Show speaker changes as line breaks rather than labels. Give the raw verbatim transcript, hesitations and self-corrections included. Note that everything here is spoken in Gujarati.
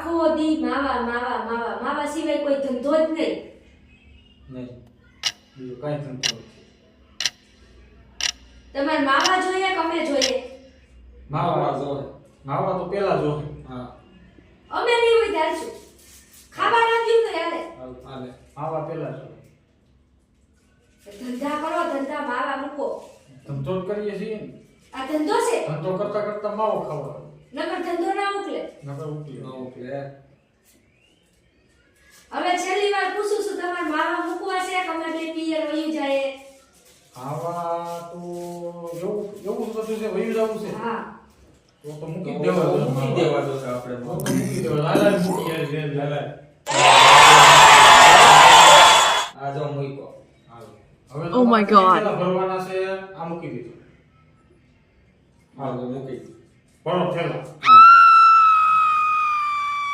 આખો દી માવા માવા માવા માવા સિવાય કોઈ ધંધો જ નહીં.
નહીં બીજું કાંઈ ધંધો નથી.
તમારે માવા જોઈએ કે અમે જોઈએ?
માવા જોવે. માવા તો પેલા જોવે. હા
અમે નહીં હોય ત્યારે શું ખાવા ના દીધું તો હાલે.
હાલે માવા પેલા જોવે.
ધંધા કરો, ધંધા માવા મૂકો.
ધંધો જ કરીએ છીએ ને.
આ ધંધો છે.
ધંધો કરતા કરતા માવો ખાવાનો.
નકર ધંધો ના ઉકલે.
નકર ઉકલે ના ઉકલે.
હવે છેલ્લી વાર પૂછું છું, તમારે માવા મૂકવા છે કે અમે બે પિયર વયું જાય?
આવા તો એવું એવું બધું છે, વયું જવું છે.
હા
તો તો મૂકી દેવા દો.
મૂકી દેવા દો છે આપણે.
તો તો મૂકી દેવા. લાલા મૂકી યાર લે લાલા.
આ જો મૂકો.
હવે
Oh my God.
પેલા ભરવાના છે. આ મૂકી દીધું.
હા તો મૂકી.
ભરો થેલા.
હા